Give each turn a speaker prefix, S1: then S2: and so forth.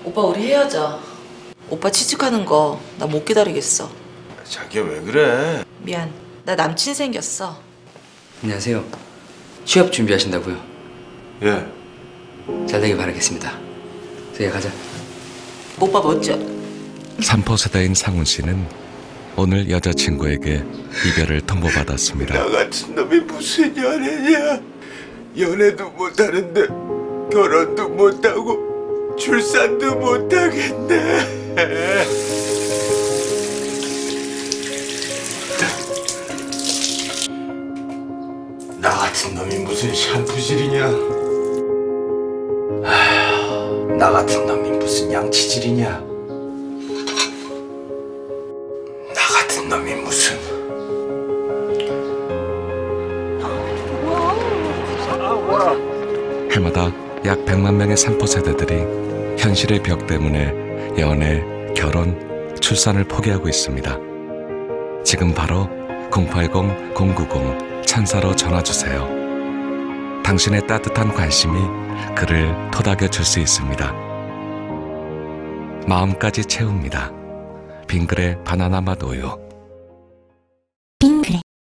S1: 오빠 우리 헤어져. 오빠 취직하는 거 나 못 기다리겠어.
S2: 자기야 왜 그래?
S1: 미안. 나 남친 생겼어.
S3: 안녕하세요. 취업 준비하신다고요?
S2: 예.
S3: 잘 되길 바라겠습니다. 저희 가자.
S1: 오빠 멋져.
S4: 삼포세대인 상훈 씨는 오늘 여자친구에게 이별을 통보받았습니다.
S2: 나 같은 놈이 무슨 연애냐? 연애도 못하는데 결혼도 못하고 출산도 못하겠네. 나 같은 놈이 무슨 샴푸질이냐? 아휴, 나 같은 놈이 무슨 양치질이냐? 나 같은 놈이 무슨
S4: 해마다 약 100만 명의 삼포세대들이 현실의 벽 때문에 연애, 결혼, 출산을 포기하고 있습니다. 지금 바로 080-090-1000로 전화주세요. 당신의 따뜻한 관심이 그를 토닥여 줄 수 있습니다. 마음까지 채웁니다. 빙그레 바나나 맛 우유.